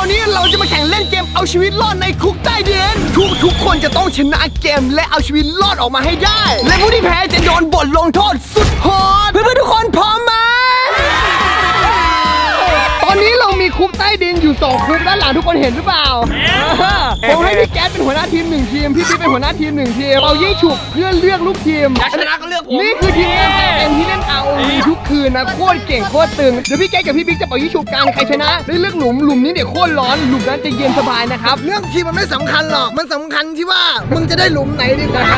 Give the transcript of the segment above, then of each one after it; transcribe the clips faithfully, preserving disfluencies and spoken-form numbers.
อนนี้เราจะมาแข่งเล่นเกมเอาชีวิตรอดในคุกใต้ดินทุกทุกคนจะต้องชนะเกมและเอาชีวิตรอดออกมาให้ได้และผู้ที่แพ้จะโดนบทลงโทษสุดโหดเพื่อนๆทุกคนพร้อมไหมตอนนี้เรามีคุกใต้ดินอยู่สองคุกด้านหลังทุกคนเห็นหรือเปล่าผมให้พี่แก๊สเป็นหัวหน้าทีมหนึ่งทีมพี่ปิ๊กเป็นหัวหน้าทีมหนึ่งทีมเรายิ่งฉุกเพื่อเลือกลูกทีมชนะก็เลือกผมนี่คือทีมงานเอ็มที่เล่น อาร์ โอ วี ทุกคืนนะโคตรเก่งโคตรตึงเดี๋ยวพี่แก๊สกับพี่ปิ๊กจะเป่ายิ่งฉุกกันใครชนะได้เลือกหลุมหลุมนี้เดี๋ยวโคตรร้อนหลุมนั้นจะเย็นสบายนะครับเรื่องทีมมันไม่สำคัญหรอกมันสำคัญที่ว่ามึงจะได้หลุมไหนดีกว่า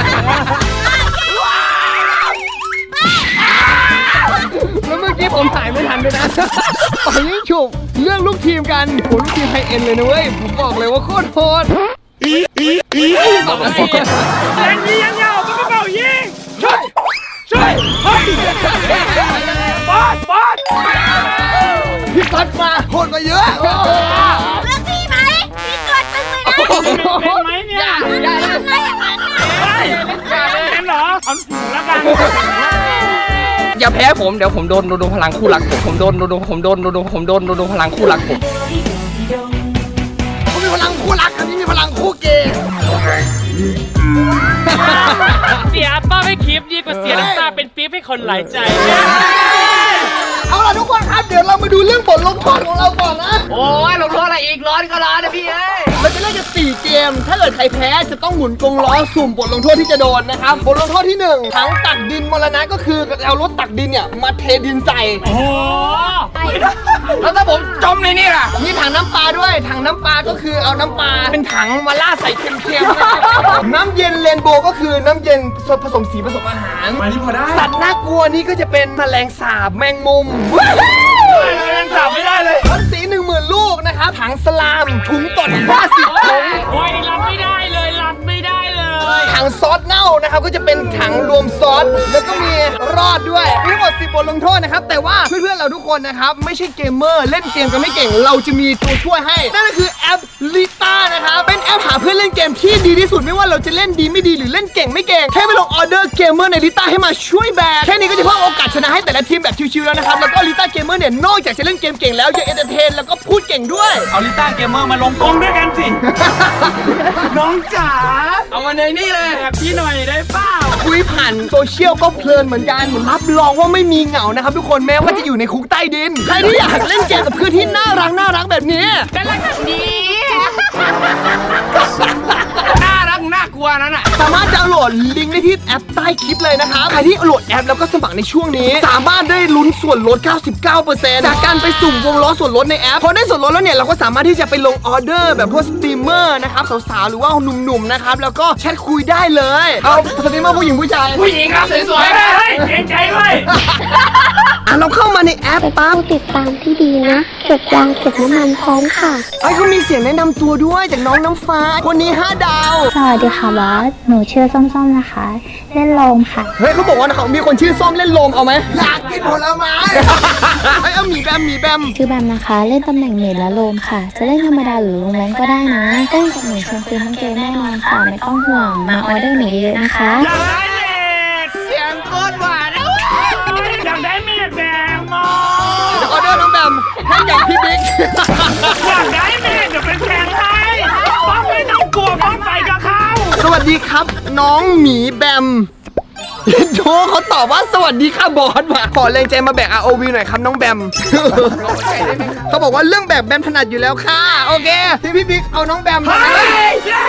แล้วเมื่อกี้ผมถ่ายไม่ทันด้วยนะเป่ายิ่งฉุกเลือกลูกทีมกันโหลูกทีมไฮเอ็นเลยนะเว้ยผมบอกเลยว่าโคตรโหดอีอีอีแรงยิงยังยาวมันก็เป่ายิงช่วยช่วยเฮ้ยบอสบอสพี่ก๊อตมาโหดมาเยอะเลือกพี่ไหมพี่ตัวตึงเลยนะเป็นไหมเนี่ยอย่าทำไมอย่างนั้นเป็นเหรอเอาถูกแล้วกันอย่าแพ้ผมเดี๋ยวผมโดนโดนพลังคู่รักผมผมโดนโดนผมโดนโดนผมโดนโดนพลังคู่รักผมเขามีพลังคู่รักอันนี้มีพลังคู่เกย์เสียป้าไม่คลิปดีกว่าเสียน้ำตาเป็นปี๊บให้คนหลายใจเอาล่ะทุกคนครับเดี๋ยวเรามาดูเรื่องบทลงโทษของเราก่อนนะโอ้ยลงโทษอะไรอีกร้อนก็ร้อนนะพี่เอ้ยเราจะเล่นกันสี่เกมถ้าเกิดใครแพ้จะต้องหมุนกรงล้อสุ่มบทลงโทษที่จะโดนนะครับบทลงโทษที่หนึ่งถังตักดินมรณะก็คือเอารถตักดินเนี่ยมาเทดินใส่โอ้โหแล้วถ้าผมจมในนี่ล่ะมีถังน้ำปลาด้วยถังน้ำปลาก็คือเอาน้ำปลาเป็นถังมาล่าดใส่เค็มๆนะครับน้ำเย็นเรนโบว์ก็คือน้ำเย็นผสมสีผสมอาหารมานี่พอได้สัตว์น่ากลัวนี่ก็จะเป็นแมลงสาบแมงมุมยังถามไม่ได้เลยต้นสีหนึ่งหมื่นลูกนะครับถังสลามถุงตดห้าสิบถุงโอ้ยรับไม่ได้เลยรับไม่ได้เลยถังซอสเน่านะครับก็จะเป็นถังรวมซอสแล้วก็มีรอดด้วยมีทั้งหมดสิบบทลงโทษนะครับแต่ว่าเพื่อนๆเราทุกคนนะครับไม่ใช่เกมเมอร์เล่นเกมกันไม่เก่งเราจะมีตัวช่วยให้นั่นก็คือแอปลิต้านะครับเป็นแอปหาเพื่อนเล่นเกมที่ดีที่สุดไม่ว่าเราจะเล่นดีไม่ดีหรือเล่นเก่งไม่เก่งแค่ไปลงออเดอร์เกมเมอร์ในลิต้าให้มาช่วยแบกแค่นี้ก็จะเพิ่มโอกาสชนะให้แต่ละทีมแบบชิวๆแล้วนะครับแล้วก็ลิต้าเกมเมอร์เนี่ยนอกจากจะเล่นเกมเก่งแล้วยังเอนเตอร์เทนแล้วก็พูดเก่งด้วยเอาลิต้าเกมเมอร์มาลงกงด้วยกันสิ น้องจ๋าเอามาในนี่เลยแบบพี่หน่อยได้เปล่าคุยผ่านโซเชียลก็เพลินเหมือนกันรับรองว่าไม่มีเหงานะครับทุกคนแม้ว่าจะอยู่ในคุกใต้ดินใครที่อยากเล่นเกมกับเพื่อนที่น่ารักน่ารักแบบนี้กันแล้วกันดีน่ารักน่ากลัวนั่นอ่ะสามารถดาวน์โหลดลิงก์ได้ที่แอปใต้คลิปเลยนะครับใครที่โหลดแอปแล้วก็สมัครในช่วงนี้สามารถได้ลุ้นส่วนลด เก้าสิบเก้าเปอร์เซ็นต์ จากการไปสุ่มวงล้อส่วนลดในแอปพอได้ส่วนลดแล้วเนี่ยเราก็สามารถที่จะไปลงออเดอร์แบบพวกสตรีมเมอร์นะครับสาวๆหรือว่าหนุ่มๆนะครับแล้วก็แชทคุยได้เลยเอาสตรีมเมอร์ผู้หญิงผู้ชายผู้หญิงครับสวยๆเฮ้ยเกรงใจด้วยอ่ะเราเข้ามาในแอปเป็นปั๊บผู้ติดตามที่ดีนะ เก็บยางเก็บน้ำมันพร้อมค่ะไอ้เขามีเสียงแนะนำตัวด้วยจากน้องน้ำฟ้าคนนี้ห้าดาวสวัสดีค่ะบอส หนูชื่อส้มๆนะคะ เล่นโลมค่ะเฮ้ยเขาบอกว่าเขามีคนชื่อส้มเล่นโลมเอาไหมอยากกินผลไม้ไอ้เอาหมีแบมหมีแบมชื่อแบมนะคะ เล่นตำแหน่งเมดและโลมค่ะ จะเล่นธรรมดาหรือลงแรงก็ได้นะเล่นกับหนูชวนคุยทั้งเกมแน่นอนค่ะ ไม่ต้องห่วง มาออเดอร์หนูเยอะนะคะอยากได้เม็ดเสียงโคตรหวานนะอยากได้เม็ดแดงมอเดี๋ยวออเดอร์น้องแบมให้กับพี่บิ๊กอยากได้เม็ดเดี๋ยวเป็นแทงให้ป้องไม่ต้องกลัวป้องไปกับเขาสวัสดีครับ น้องหมีแบมโจเขาตอบว่าสวัสดีค่ะบอสว่ะขอแรงใจมาแบก อาร์ โอ วี หน่อยครับน้องแบมเขาบอกว่าเรื่องแบกแบมถนัดอยู่แล้วค่ะโอเคพี่พี่บิ๊กเอาน้องแบมมาเกินเกิ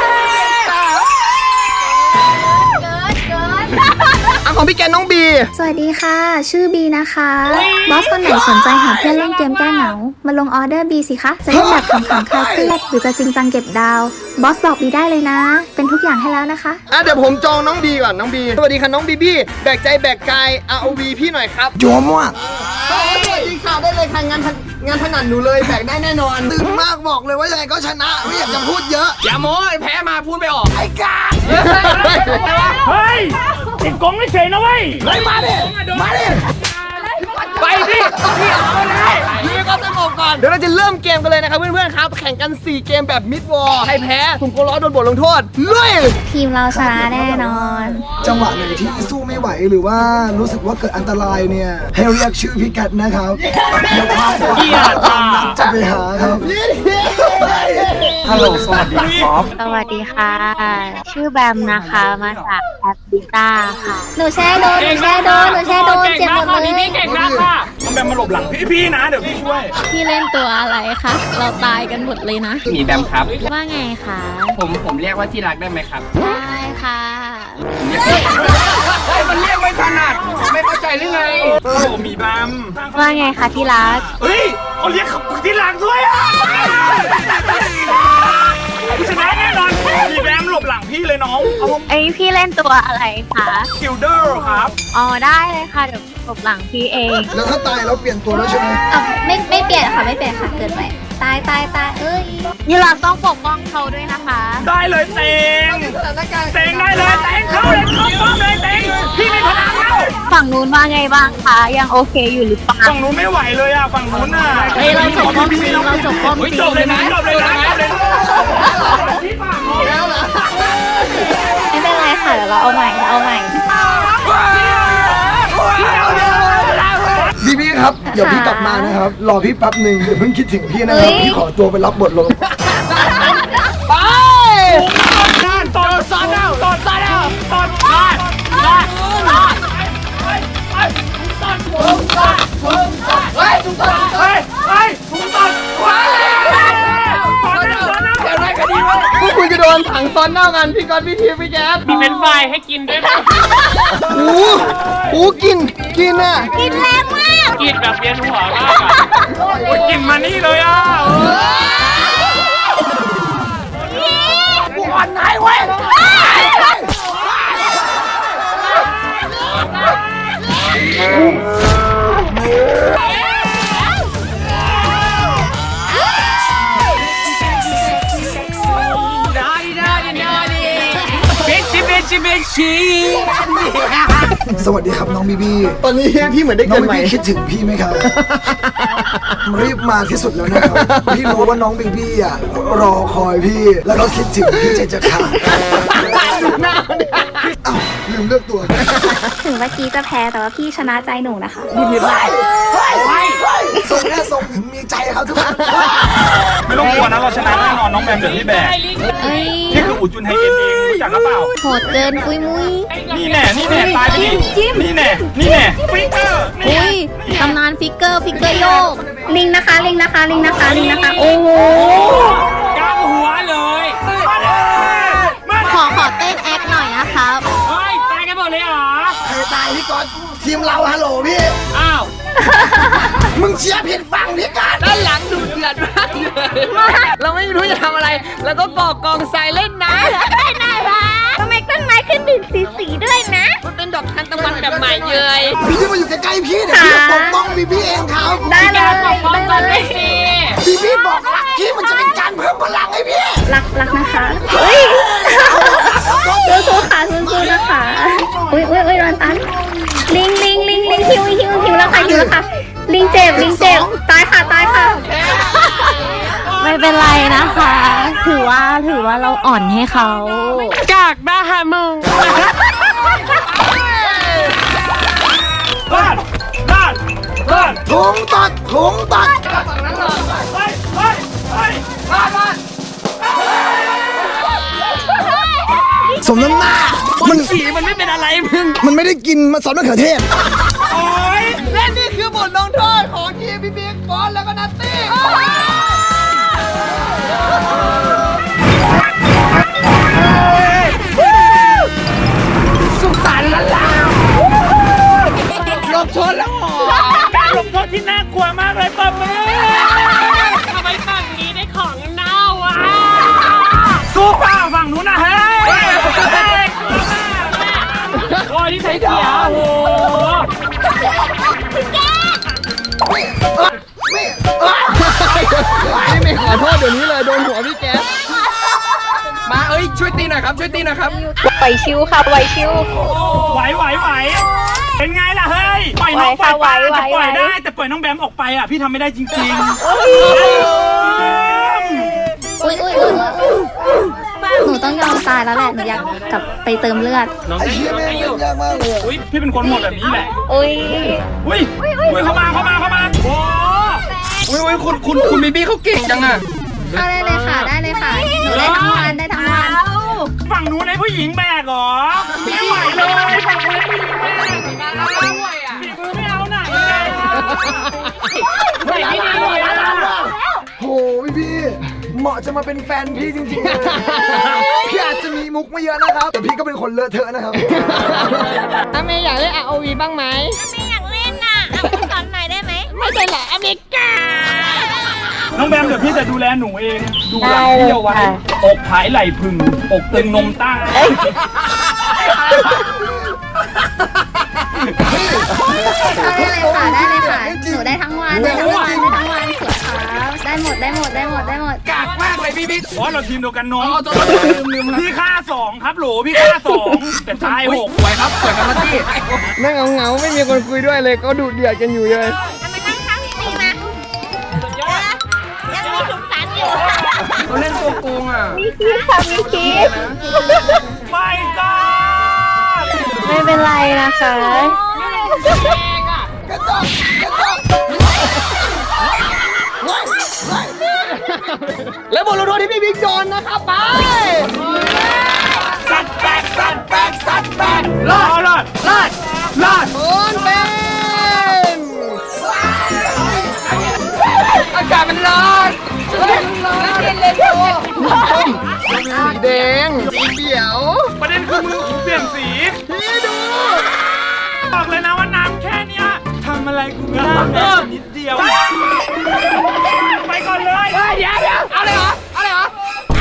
นเอาของพี่แกน้องบีสวัสดีค่ะ ชื่อบีนะคะ บอสคนไหนสนใจหาเพื่อนเล่นเกมแก้เหงา มาลงออเดอร์บีสิคะ จะเล่นแบบขำๆคลายเครียดหรือจะจริงจังเก็บดาว บอสบอกบีได้เลยนะ เป็นทุกอย่างให้แล้วนะคะอ่ะเดี๋ยวผมจองน้องบีก่อนน้องบีสวัสดีค่ะน้องบีบี้แบกใจแบกกาย อาร์ โอ วี พี่หน่อยครับโยมว่ะสวัสดีค่ะได้เลยค่ะงานงานถนัดหนูเลยแบกได้แน่นอนตื่นมากบอกเลยว่ายังไงก็ชนะไม่อยากจะพูดเยอะอย่าโม้แพ้มาพูดไม่ออกไอ้กาเฮ้ยติดกงไม่เฉยนะเว้ยไล่มาดิมาดิไปดิพี่เอาเลยยืนก็สงบก่อนเดี๋ยวเราจะเริ่มเกมกันเลยนะครับเพื่อนๆครับแข่งกันสี่เกมแบบมิดวอลใครแพ้สุ่มโกล้อโดนบทลงโทษลุยทีมเราชนะแน่นอนจังหวะไหนที่สู้ไม่ไหวหรือว่ารู้สึกว่าเกิดอันตรายเนี่ย ให้เรียกชื่อพี่แกตนะครับเดี๋ยวพาไปจะไปหาครับฮัลโหลสวัสดีครับสวัสดีค่ะ ชื่อแบมนะคะ มาจากแอปบิต้าค่ะหนูแช่โดนหนูแช่โดนหนูแช่โดนเจ็บหมดเลยพี่เก่งมากค่ะน้องแบมมาหลบหลังพี่พี่นะเดี๋ยวพี่ช่วยพี่เล่นตัวอะไรคะ เราตายกันหมดเลยนะหมีแบมครับว่าไงคะผมผมเรียกว่าที่รักได้ไหมครับได้ค่ะเฮ้ยมันเรียกไม่ถนัดไม่เข้าใจหรือไงโอ้โหมีแบมว่าไงคะที่รักเฮ้ยเขาเรียกที่หลังด้วยอ่ะชนะแน่นอนมีแบมหลบหลังพี่เลยน้องเอาเอ้ยพี่เล่นตัวอะไรคะคิลเดอร์ครับอ๋อได้เลยค่ะ เดี๋ยวหลบหลังพี่เองแล้วถ้าตายแล้วเปลี่ยนตัวแล้วใช่ไหมอ่ะไม่ไม่เปลี่ยนค่ะไม่เปลี่ยนค่ะเกิดใหม่ตายตายตายเอ้ยยี่รักต้องปกป้องเขาด้วยนะคะได้เลยเต็งเต็งได้เลยเต็งเข้าเลยเข้าป้อมเลยเต็งพี่มีพลังแล้วฝั่งนู้นว่าไงบ้างคะ ยังโอเคอยู่หรือเปล่าฝั่งนู้นไม่ไหวเลยอ่ะฝั่งนู้นน่ะเฮ้ยเราจบป้อมตีเราจบป้อมเฮ้ยตีจบเลยนะจบเลยนะจบเลยนะไม่เป็นไรค่ะเดี๋ยวเราเอาใหม่เราเอาใหม่พี่พี่ครับเดี๋ยวพี่กลับมานะครับรอพี่แป๊บหนึ่งเดี๋ยวเพิ่งคิดถึงพี่นะครับเฮ้ยพี่ขอตัวไปรับบทลงไปตอนซอนเอาตอนซอนเอาตอนซอนตอนซอนเฮ้ยทุกคนเฮ้ยเฮ้ยถุงตอนว้าวตอนนั้นตอนนั้นเดี๋ยวได้คดีวะพวกคุณจะโดนถังซ้อนเน่ากันพี่ก๊อตพี่ทีพี่แก๊สมีเป็นไฟให้กินด้วยนะโอ้โหโอ้โหกินกินอ่ะกินแรงมากกินแบบเวียนหัวมากอ่ะโอ้ยกินมานี่เลยอ่ะปวดไหนเว้ยเบชิเบชิเบชิสวัสดีครับน้องบีบีตอนนี้พี่เหมือนได้น้อเกิงนบีใหม่บี้คิดถึงพี่ไหมครับ รีบมาที่สุดแล้วนะครับพี่รู้ว่าน้องบีบี้อ่ะรอคอยพี่ แล้วก็คิดถึงพี่ใจจะขาดอ้าวลืมเลือกตัวถึงเมื่อกี้จะแพ้แต่ว่าพี่ชนะใจหนูนะคะส่งแน่ส่งถึงมีใจครับทุกคนไม่ต้องกลัวนะเราชนะแน่นอนน้องแบมเดี๋ยวพี่แบกเอ้ยนี่คืออุจุนไฮเอ็นเองรู้จักหรือเปล่าโหดเกินปุยมุ้ยนี่แน่ นี่แน่ ตายไปดินี่แน่ นี่แน่ฟิกเกอร์นี่อุ้ยตำนานฟิกเกอร์ฟิกเกอร์โยกลิงนะคะลิงนะคะลิงนะคะลิงนะคะโอ้โหกลางหัวเลยมาเลยมาขอขอเต้นแอคหน่อยนะครับเฮ้ยตายกันหมดเลยเหรอใครตายพี่ก๊อตทีมเราฮัลโหลพี่อ้าวมึงเชียร์ผิดฝั่งพี่ก๊อตด้านหลังดูเดือดมากเลยเราไม่รู้จะทำอะไร แล้วก็ก่อกองทรายเล่นนะได้น่ารักทำไมต้นไม้ขึ้นดึกสีสีด้วยนะมันเป็นดอกทานตะวันแบบใหม่เยยพี่ที่มาอยู่ใกล้ๆพี่เดี๋ยวพี่จะปกป้องบีบี้เองครับได้เลยปกป้องตนเลยสิบีบี้บอกรักพี่มันจะเป็นการเพิ่มพลังให้พี่รักรักนะคะเฮ้ยสู้ๆค่ะสู้ๆนะคะอุ้ยอุ้ยอุ้ยรอนตันลิงลิงลิงลิงฮิวฮิวฮิวแล้วค่ะฮิวแล้วค่ะลิงเจ็บลิงเจ็บตายค่ะตายค่ะไม่เป็นไรนะคะ ถือว่าถือว่าเราอ่อนให้เขากากบ้าฮะมึงบ้านบ้านบ้านถุงตัดถุงตัดไปไปไปบ้านบ้านสมน้ำหน้า มันสีมันไม่เป็นอะไรมึงมันไม่ได้กินมันซอสมะเขือเทศโอ้ยและนี่คือบทลงโทษของทีมพี่บิ๊กบอลแล้วก็นัตตี้สุขสันต์ละล่ะหลบชนแล้วหรอการลงโทษที่น่ากลัวมากเลยปะมือทำไมฝั่งนี้ได้ของเน่าอ่ะสู้เปล่าฝั่งนู้นนะเฮ้ยโอ้ยที่ใส่เขียวโอ้โหพี่เมย์ขอโทษเดี๋ยวนี้เลยโดนหัวพี่แก๊สมาเอ้ยช่วยตีหน่อยครับช่วยตีหน่อยครับไหวชิวค่ะไหวชิวไหวไหวไหวเป็นไงล่ะเฮ้ยปล่อยน้องปล่อยปลาจะปล่อยได้แต่ปล่อยน้องแบมออกไปอ่ะพี่ทำไม่ได้จริงๆอุ้ยอุ้ยอุ้ยหนูต้องยอมตายแล้วแหละหนูอยากกลับไปเติมเลือดไอ้เหี้ยแม่งเล่นยากมากเลยอะอุ้ยพี่เป็นคนหมดแบบนี้แหละอุ้ยอุ้ยอุ้ยเข้ามาเข้ามาเข้ามาโอ้อุ้ยอุ้ยคุณคุณคุณบีบี้เขาเก่งจังอะเข้าได้เลยค่ะได้เลยค่ะหนูได้ทั้งวันได้ทั้งวันฝั่งนู้นให้ผู้หญิงแบกเหรอไม่ไหวเลยฝั่งนู้นให้ผู้หญิงแบกฝีมือไม่เอาไหนเลยไหวไม่ดีเลยอะโหพี่พี่เหมาะจะมาเป็นแฟนพี่จริงๆเลยพี่อาจจะมีมุกไม่เยอะนะครับแต่พี่ก็เป็นคนเลอะเทอะนะครับถ้าเมย์อยากเล่น อาร์ โอ วี บ้างไหมไม่อยากเล่นน่ะเอาไปสอนหน่อยได้ไหมไม่ใช่แหละอเมริกาน้องแบมเดี๋ยวพี่จะดูแลหนูเองดูหลังพี่เอาไว้อกผายไหล่พึงอกตึงนมตั้งได้เลยค่ะได้เลยค่ะหนูได้ทั้งวันได้ทั้งวันได้ทั้งวันสวยครับได้หมดได้หมดได้หมดได้หมดกากมากเลยพี่บิ๊กอ๋อเราทีมเดียวกันน้องพี่ฆ่าสองครับโหลพี่ฆ่าสองแต่ตายหกสวยครับสวยครับพี่นั่งเหงาๆไม่มีคนคุยด้วยเลยก็ดูเดือดกันอยู่เลยเอามานั่งข้างพี่ปีมาเดี๋ยวนะยังมีสุขสันต์อยู่เขาเล่นตัวโกงอ่ะไม่ก็ไม่เป็นไรนะคะแล้วบทลงโทษที่พี่บิ๊กโยนนะครับไปสัตว์แบกสัตว์แบกสัตว์แบกรอดรอดรอดรอดโอนเป็นอากาศมันร้อนเฮ้ยร้อนเย็นเลยโตส้มสีแดงสีเขียวประเด็นคือมือผมเปลี่ยนสีพี่ดูบอกเลยนะว่าน้ำแค่เนี้ยทำอะไรกูไม่ได้แม้นิดเดียวไปก่อนเลยเดี๋ยวเดี๋ยวเอาเลยเหรอเอาเลยเหรอ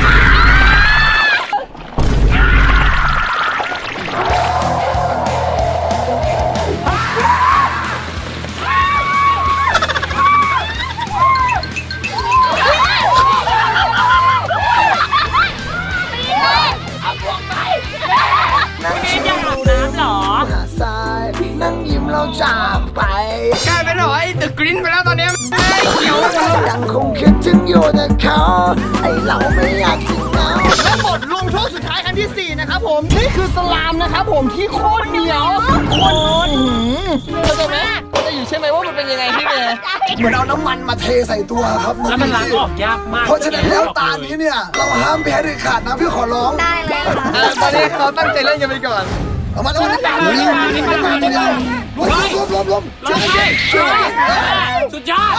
หาทรายนั่งยิ้มเราจากไปกลายเป็นหอยตึกกริ้นไปแล้วตอนนี้ไอ้เขียวยังคงคิดถึงอยู่แต่เขาไอเราไม่อยากทิ้งเขาและบทลงโทษสุดท้ายครั้งที่สี่นะครับผมนี่คือสลามนะครับผมที่โคตรเหนียวโคตรเข้าใจไหมเข้าใจอยู่ใช่ไหมว่ามันเป็นยังไงพี่เมย์เหมือนเอาน้ำมันมาเทใส่ตัวครับแล้วมันล้างออกยากมากเพราะฉะนั้นแล้วตานี้เนี่ยเราห้ามแพ้เด็ดขาดนะพี่ขอร้องได้เลยค่ะอ่ะตอนนี้เขาตั้งใจเล่นกันไปก่อนเอามาแล้วมาแล้วรวมรวมรวมรวมช่วยกันช่วยกันสุดยอด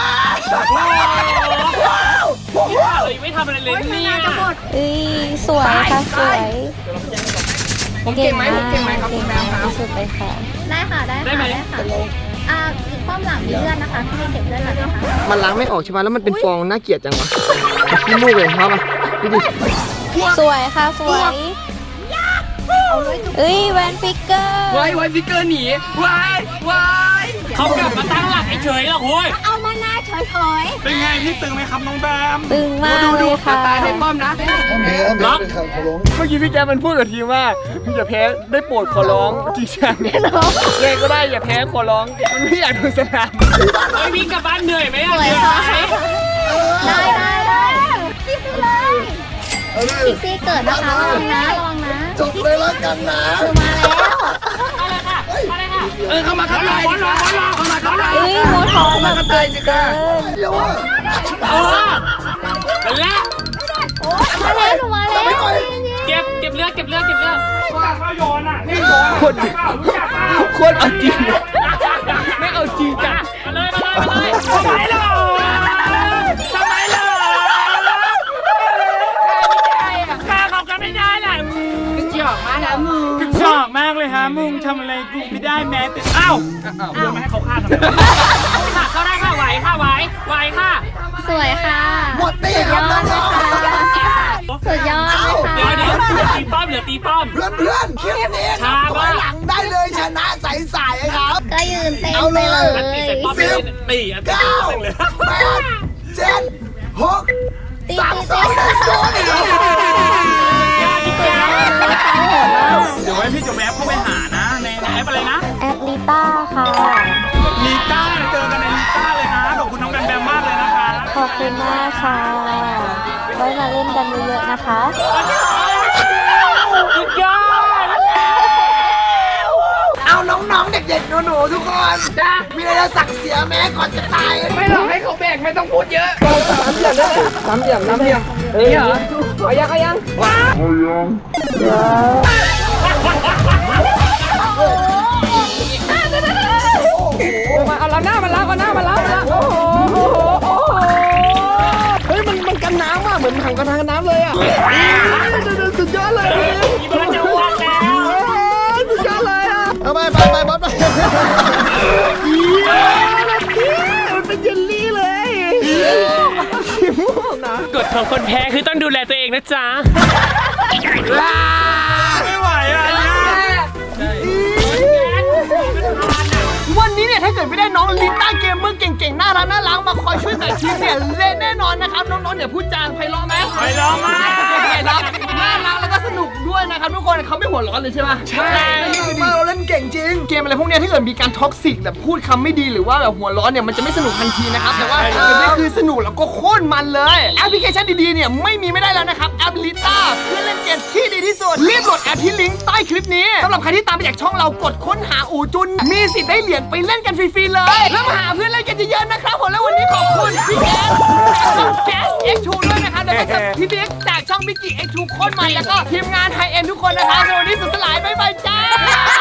เลยไม่ทำอะไรเลยเนี่ยเอ้ยสวยค่ะสวยผมเก่งไหมผมเก่งไหมครับคุณแมวครับที่สุดเลยค่ะได้ค่ะได้ค่ะได้ค่ะอ่าป้อมหลังมีเลือดนะคะพี่เก็บเลือดหลังนะคะมันล้างไม่ออกใช่ไหมแล้วมันเป็นฟองน่าเกลียดจังวะขี้มูกเลยครับอ่ะดูดิสวยค่ะสวยเอ้ยแวนฟิกเกอร์ไว้ไว้ฟิกเกอร์หนีไว้ไว้เขากลับมาตั้งหลักเฉยๆหรอกโว้ยเอามาหน้าเฉยเป็นไงพี่ตึงไหมครับน้องแบมๆตึงมากเลยค่ะตายในป้อมนะห้ามแพ้ห้ามแพ้เด็ดขาดขอร้องเมื่อกี้พี่แกมันพูดกับทีมว่าอย่าแพ้ได้โปรดขอร้องจริงจังเนี่ยเล่นก็ได้อย่าแพ้ขอร้องมันไม่อยากดูสนามเฮ้ยวิ่งกลับบ้านเหนื่อยไหมสอ่ะวยค่ะได้ได้ได้พี่ซีเลยเอาเลยพี่ซีเกิดนะคะระวังนะระวังนะจบเลยแล้วกันนะคือมาแล้วเออเข้ามาครับเลยร้อนร้อนร้อนเข้ามาเข้ามาเอ้ยโมทอแบบเกินเกินเดี๋ยวว่าเออนั่นแหละมาแล้วหนูมาแล้วเก็บเก็บเลือดเก็บเลือดเก็บเลือดว่าเขาโยนอ่ะนี่โยนโคตรรู้จักเปล่าโคตรเอาจริงไม่เอาจริงจังมาเลยมาเลยมาเลยทำไมล่ะทำไมล่ะฆ่าเขากันไม่ได้แหละกระจอกมาแล้วมึงกระจอกมากเลยฮะมึงทำอะไรกูไม่ได้แม้แต่อ้าวโยนมาให้เขาฆ่าทำไมค่ะเขาได้ค่ะไหวค่ะไหวไหวค่ะสวยค่ะหมดตีสุดคยรับอน้ดองเลยค่ะสุดยอดเลยค่ะเดี๋ยวเดี๋ยวเหลือตีป้อมเหลือตีป้อมเพื่อนเพื่อนคลิปนี้ช้าถอมาย กหลังได้เลยชนะใสๆครับก็ยืนเต้นเอาไปเลยเลยตีใส่ป้อมไปเลยตีอ่ะตีเก้าไปเลยแปดเจ็ดหกตีสามตีสตีองหนึ่งศูนย์เดี๋ยวไว้พี่จะแวบเข้าไปหานะในแอปอะไรนะแอปลิต้าค่ะลีต้าเจอกันในลีต้าเลยนะขอบคุณน้องแบมแบมมากเลยนะคะขอบคุณมากค่ะ ไว้มาเล่นกันเยอะๆนะคะสุดยอดเอาเอาน้องๆเด็กๆหนูๆทุกคนจ้ามีอะไรจะสั่งเสียแม้ก่อนจะตายไม่หรอกให้เขาแบกไม่ต้องพูดเยอะสามเหลี่ยมได้ไหมสามเหลี่ยมสามเหลี่ยมเฮ้ยเหรอเอายังเอายังว้ามาเอาเราหน้ามาแล้วเอาหน้ามาแล้วโอ้โหโอ้โหโอ้โหเฮ้ยมันมันกันน้ำว่ะเหมือนถังกันน้ำเลยอ่ะสุดยอดเลยอีเบิร์ดจะอ้วนแล้วสุดยอดเลยอ่ะเอาไปไปไปบอสไปมันเป็นเยลลี่เลยขี้มูกนะกฎของคนแพ้คือต้องดูแลตัวเองนะจ๊ะไม่ไหวอ่ะวันนี้เนี่ยถ้าเกิดไม่ได้น้องลิต้าเกมเมอร์เก่งๆน่ารักน่ารักมาคอยช่วยแต่ทีมเนี่ยเละแน่นอนนะครับน้องๆเนี่ยพูดจางไพเราะไหมไปร้องมาน่ารักน่ารักแล้วก็สนุกด้วยนะครับทุกคนเขาไม่หัวร้อนเลยใช่ไหมใช่มาเราเล่นเก่งจริงเกมอะไรพวกเนี้ยถ้าเกิดมีการท็อกซิกแบบพูดคำไม่ดีหรือว่าแบบหัวร้อนเนี่ยมันจะไม่สนุกทันทีนะครับแต่ว่าเกมนี้คือสนุกแล้วก็โคตรมันเลยแอปพลิเคชันดีๆเนี่ยไม่มีไม่ได้แล้วนะครับแอปลิต้าเพื่อเล่นเกมที่ดีที่สุดรีบโหลดแอปที่ลิงก์ใต้คลิปนี้สำหรับใครที่ตามไปจากช่องเรากดค้นหาอูจุนมีสิทธิ์ได้เหรียญไปเล่นกันฟรีๆเลยแล้วมาหาเพื่อนเล่นกันเยอะๆนะครับผมแล้ววันนี้ขอบคุณพี่แก๊สช่องแก๊ส เอ็กซ์ ทู ด้วยนะครับแล้วก็จากพี่เบ๊กจากช่องมิกกี้ เอ็กซ์ ทู โคตรมันแล้วก็ทีมงานไฮเอ็นทุกคนนะครับวันนี้สุดสลายบ๊ายบายจ้า